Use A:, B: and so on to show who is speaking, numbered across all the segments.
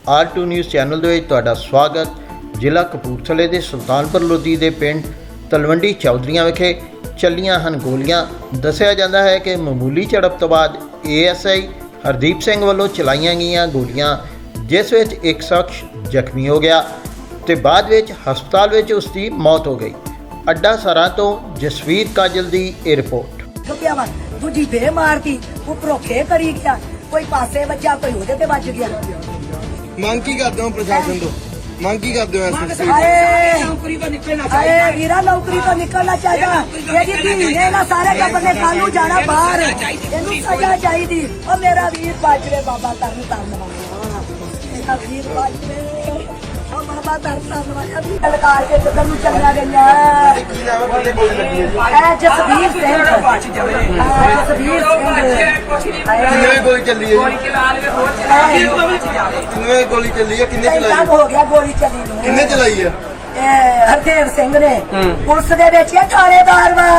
A: R2 news channel ਦੇ ਵਿੱਚ ਤੁਹਾਡਾ ਸਵਾਗਤ। ਜ਼ਿਲ੍ਹਾ ਕਪੂਰਥਲੇ ਦੇ ਸੁਲਤਾਨਪੁਰ ਲੋਧੀ ਦੇ ਪਿੰਡ ਤਲਵੰਡੀ ਚੌਧਰੀਆਂ ਵਿਖੇ ਚੱਲੀਆਂ ਹਨ ਗੋਲੀਆਂ। ਦੱਸਿਆ ਜਾਂਦਾ ਹੈ ਕਿ ਮਾਮੂਲੀ ਝੜਪ ਤੋਂ ਬਾਅਦ ASI ਹਰਦੀਪ ਸਿੰਘ ਵੱਲੋਂ ਚਲਾਈਆਂ ਗਈਆਂ ਗੋਲੀਆਂ, ਜਿਸ ਵਿੱਚ ਇੱਕ ਸ਼ਖਸ ਜ਼ਖਮੀ ਹੋ ਗਿਆ ਤੇ ਬਾਅਦ ਵਿੱਚ ਹਸਪਤਾਲ ਵਿੱਚ ਉਸ ਦੀ ਮੌਤ ਹੋ ਗਈ। ਅੱਡਾ ਸਰਾਂ ਤੋਂ ਜਸਵੀਰ ਕਾਜਲ ਦੀ ਇਹ ਰਿਪੋਰਟ।
B: दूजी बे मारती उपरों खे करी गया, कोई पासे बचा कोई ओदे ते बच गया।
C: ਮੰਗ ਕੀ ਕਰਦੇ ਹੋ ਪ੍ਰਸ਼ਾਸਨ ਤੋਂ? ਮੰਗ ਕੀ ਕਰਦੇ ਹੋ ਐਸਐਸਪੀ?
B: अरे वीरा नौकरी तो निकलना चाहिए। ये धी ने ना सारे टब्बर ने कल नूं जाना बाहर, इहनूं सजा चाहिदी। ओ मेरा वीर बाजरे बाबा तरन तरन वाला, मेरा वीर बाजरे ओ बाबा तरन तरन वाला भी ललकार के जदों नूं चलिया गईया।
C: ਕੀ ਨਾਮ ਹੈ? ਕਿੰਨੇ ਗੋਲੀ ਲੱਗੀ ਹੈ?
B: ए जसवीर सिंह, जसवीर सिंह
C: ਕਿੰਨੇ ਗੋਲੀ ਚੱਲੀ ਹੈ ਜੀ? ਕਿੰਨੇ ਗੋਲੀ ਚੱਲੀ ਹੈ? ਕਿੰਨੇ ਚਲਾਈ ਹੈ?
B: हो गया गोली चली नूं।
C: ਕਿੰਨੇ ਚਲਾਈ ਹੈ?
B: ਹਰਦੇਵ ਸਿੰਘ ਨੇ ਪੁਲਿਸ ਦੇ ਵਿੱਚ ਇਹ ਥਾਣੇਦਾਰ ਵਾ।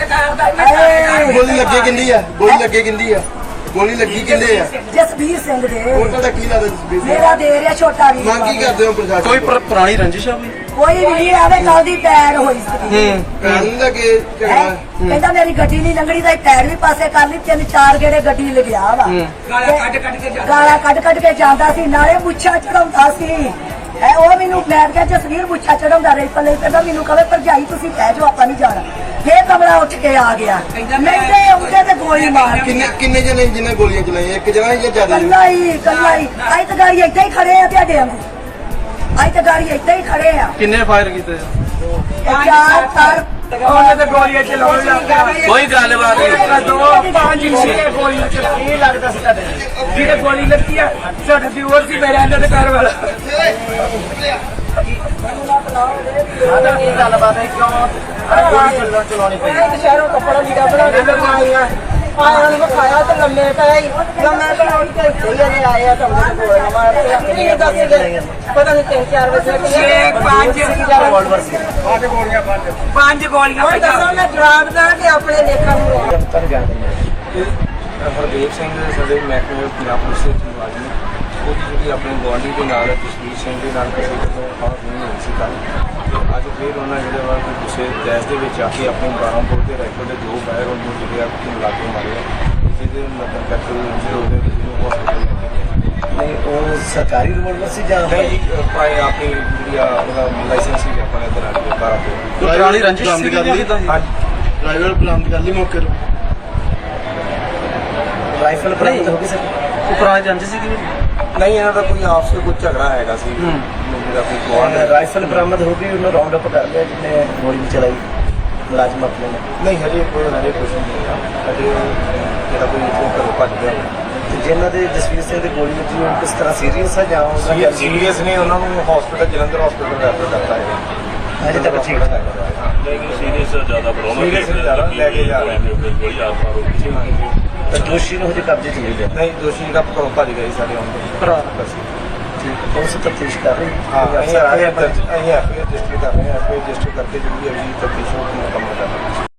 C: ਗੋਲੀ ਲੱਗੇ ਕਿੰਦੀ ਆ? ਗੋਲੀ ਲੱਗੇ ਕਿੰਦੀ ਆ? ਗੋਲੀ ਲੱਗੀ ਕਿੰਦੇ ਆ?
B: ਜਸਵੀਰ ਸਿੰਘ ਦੇ।
C: ਉਹਨਾਂ ਦਾ ਕੀ ਲੱਗਦਾ ਜਸਬੀਰ ਸਿੰਘ?
B: ਮੇਰਾ ਦੇ ਰਿਹਾ ਛੋਟਾ ਵੀ।
C: ਮੰਗ ਕੀ ਕਰਦੇ ਹੋ ਪ੍ਰਸ਼ਾਸਨ?
D: ਕੋਈ ਪੁਰਾਣੀ ਰੰਜਿਸ਼ ਆ ਵੀ?
B: ਕੋਈ ਵੀ ਨਹੀਂ ਆਵੇ, ਕੱਲ ਦੀ ਪੈਰ ਹੋਈ ਸੀ।
C: ਕਾਨੂੰਨ ਦਾ ਕੀ ਝਗੜਾ?
B: ਕਹਿੰਦਾ ਮੇਰੀ ਗੱਡੀ ਨਹੀਂ ਲੰਘਣੀ ਤਾਂ ਪੈਰ ਵੀ ਪਾਸੇ ਕਰ ਲਈ। 3-4 ਗੇੜੇ ਗੱਡੀ ਲਗਿਆ ਵਾ। ਗਾਲਾਂ ਕੱਢ ਕੇ ਜਾਂਦਾ ਸੀ, ਨਾਲੇ ਮੁੱਛਾਂ ਚੜਾਉਂਦਾ ਸੀ। ਉਹ ਮੈਨੂੰ ਬੈਠ ਗਿਆ ਜਸਵੀਰ ਮੁੱਛਾਂ ਚੜਾਉਂਦਾ ਰਹੀ ਪੱਲੇ। ਕਹਿੰਦਾ ਮੈਨੂੰ ਕਹੇ ਭਰਜਾਈ ਤੁਸੀਂ ਬਹਿ ਜਾਓ, ਆਪਾਂ ਨਹੀਂ ਜਾਣਾ। ਫੇਰ ਕਮਲਾ ਉੱਠ ਕੇ ਆ ਗਿਆ। ਨਹੀਂ ਤੇ ਉਹਦੇ ਤੇ ਗੋਲੀ ਮਾਰ
C: ਕਿੰਨੇ ਜਣੇ ਜਿਹਨੇ ਗੋਲੀਆਂ ਚਲਾਈਆਂ? ਇੱਕ ਜਣਾ ਜਾਂ ਜ਼ਿਆਦਾ?
B: ਕੱਲਾ ਹੀ ਅੱਜ ਤਾਂ ਗਾੜੀ ਏਦਾਂ ਹੀ ਖੜੇ ਆ ਤੁਹਾਡੇ ਵਾਂਗੂ। ਅੱਜ ਤਾਂ ਗਾੜੀ ਏਦਾਂ ਹੀ ਖੜੇ ਆ।
D: ਕਿੰਨੇ ਫਾਇਰ ਕੀਤੇ?
B: ਚਾਰ ਤਾਰ
E: ਉਹਨੇ ਤੇ ਗੋਲੀਆਂ ਚਲਾਉਣ ਲੱਗ ਪਿਆ।
D: ਕੋਈ ਗੱਲਬਾਤ ਨਹੀਂ।
E: ਦੋ ਪੰਜ ਛੇ ਗੋਲੀਆਂ ਚਲਾਈ ਲੱਗਦਾ ਸੀ ਤੁਹਾਡੇ ਜਿਹਨੇ ਗੋਲੀ ਲੱਗੀ ਆ ਸਾਡਾ ਦੀ ਹੋਰ ਸੀ ਮੇਰੇ ਅੰਦਰ ਦੇ ਘਰ ਵਾਲਾ। ਆਦਾ ਕੀ ਗੱਲਬਾਤ ਹੈ? ਕਿਉਂ ਗੋਲੀ ਚਲਾਉਣੀ ਪਈ? ਸ਼ਹਿਰੋਂ ਕੱਪੜਾ ਲੀੜਾ ਬਣਾ ਕੇ ਲਗਾਈਆਂ ਆਇਆ ਨੂੰ ਖਾਇਆ ਤੇ ਲੰਮੇ ਪਏ ਲੰਮੇ ਪਏ ਤੇ ਇੱਥੇ ਆਏ ਆ ਤੁਹਾਨੂੰ ਕੋਲ ਮਾਰਦੇ ਕਿੰਨੇ ਦੱਸ ਗਏ ਪਤਾ ਨਹੀਂ 3-4 ਵਜੇ ਪੰਜ ਗੋਲੀਆਂ ਹੁਣ ਦੱਸੋ ਮੈਂ ਜਵਾਬ ਦਾਂ ਕਿ ਆਪਣੇ ਲੇਖਾਂ ਨੂੰ
D: ਹਰਦੀਪ ਸਿੰਘ ਸਾਡੇ ਮਹਿਕਮੇ ਪੰਜਾਬ ਪੁਲਿਸ ਦੇ ਮੁਲਾਜ਼ਮ ਉਹ ਜਿਹੜੀ ਆਪਣੇ ਗੁਆਂਢੀ ਦੇ ਨਾਲ ਜਸਵੀਰ ਸਿੰਘ ਦੇ ਨਾਲ ਕਿਸੇ ਤੋਂ ਖਾਸ ਨਹੀਂ ਹੋਈ ਸੀ ਕੱਲ੍ਹ। ਤੇ ਅੱਜ ਫਿਰ ਉਹਨਾਂ ਜਿਹੜੇ ਵਾ ਕਿਸੇ ਗੈਸ ਦੇ ਵਿੱਚ ਆ ਕੇ ਆਪਣੇ 12 ਬੋਰ ਦੇ ਰਾਈਫਲ ਦੇ 2 ਫਾਇਰ ਉਹਨੂੰ ਜਿਹੜੇ ਆ ਲਾਗੇ ਮਾਰੇ ਜਿਹਦੇ ਮਤਲਬ ਕਰਕੇ ਜਿਹੜੇ ਉਹਦੇ ਜਿਹਨੂੰ ਹਸਪਤਾਲ
F: ਨਹੀਂ ਉਹ ਸਰਕਾਰੀ ਰਿਵੋਲਵਰ ਸੀ ਜਾਂ
D: ਨਹੀਂ ਭਾਈ ਆਪਣੀ ਜਿਹੜੀ ਆ ਉਹਦਾ ਲਾਇਸੈਂਸ ਸੀ ਆਪਣੇ ਇੱਧਰ ਆ ਕੇ 12 ਬੋਰ
F: ਪੁਰਾਣੀ ਰੰਜਿਸ਼ ਸੀ
D: ਹਾਂਜੀ
C: ਡਰਾਈਵਰ ਬਰਾਮਦ ਕਰ ਲਈ ਮੌਕੇ ਤੋਂ?
F: ਰਾਈਫਲ ਬਰਾਮਦ ਹੋ ਗਈ ਸਰ?
D: ਉਹ ਪੁਰਾਣੀ ਰੰਜਿਸ਼ ਸੀ ਕਿ ਨਹੀਂ ਇਹਨਾਂ ਦਾ ਕੋਈ ਆਪਸ ਵਿੱਚ ਕੋਈ ਝਗੜਾ ਹੈਗਾ ਸੀ ਜਿਹੜਾ ਕੋਈ ਗਵਾਂਢ
F: ਰਾਈਫਲ ਬਰਾਮਦ ਹੋ ਗਈ, ਉਹਨੂੰ ਰਾਉਂਡ ਅਪ ਕਰ ਲਿਆ ਜਿਹਨੇ ਗੋਲੀ ਚਲਾਈ ਮੁਲਾਜ਼ਮ ਆਪਣੇ ਨੇ।
D: ਨਹੀਂ ਹਜੇ ਕੁਛ ਨਹੀਂ ਹੋਇਆ। ਹਜੇ ਜਿਹੜਾ ਕੋਈ ਇੱਥੋਂ ਘਰੋਂ ਭੱਜ ਗਿਆ
F: ਤੇ ਜਿਨ੍ਹਾਂ ਦੇ ਜਸਵੀਰ ਸਿੰਘ ਦੀ ਗੋਲੀ ਲੱਗੀ ਉਹ ਕਿਸ ਤਰ੍ਹਾਂ ਸੀਰੀਅਸ ਹੈ ਜਾਂ ਉਹਨਾਂ ਦੀ
D: ਸੀਰੀਅਸ ਨੇ, ਉਹਨਾਂ ਨੂੰ ਹਸਪੀਟਲ ਜਲੰਧਰ ਹਸਪੀਟਲ ਰੈਫਰ ਕਰਤਾ ਹੈ।
F: ਹਜੇ ਤੱਕ ਠੀਕ ਹੈ?
G: ਲੇਕਿਨ ਸੀਰੀਅਸ ਜ਼ਿਆਦਾ ਪ੍ਰੋਬਲਮ
D: Serious ਜ਼ਿਆਦਾ ਲੈ ਕੇ ਜਾ ਰਹੇ
G: ਬੜੀ ਆਸਾਰ ਹੋ ਗਈ।
F: ਤਾਂ ਦੋਸ਼ੀ ਨੂੰ ਹਜੇ ਕਬਜ਼ੇ 'ਚ ਨਹੀਂ ਲਿਆ?
D: ਨਹੀਂ ਦੋਸ਼ੀ ਜਿਹੜਾ ਘਰੋਂ ਭੱਜ ਗਿਆ ਸੀ ਸਾਡੇ ਆਉਣ ਤੋਂ।
F: ਠੀਕ, ਉਸ ਤਫਤੀਸ਼ ਕਰ ਰਹੀ
D: ਹਾਂ ਅਸੀਂ ਐਫਆਈਆਰ ਰਜਿਸਟਰ ਕਰ ਰਹੇ ਹਾਂ। ਐਫਆਈਆਰ ਰਜਿਸਟਰ ਕਰਕੇ ਜਿਹੜੀ ਅਗਲੀ ਤਫਤੀਸ਼ ਨੂੰ ਮੁਕੰਮਲ ਕਰ ਰਹੇ ਹਾਂ।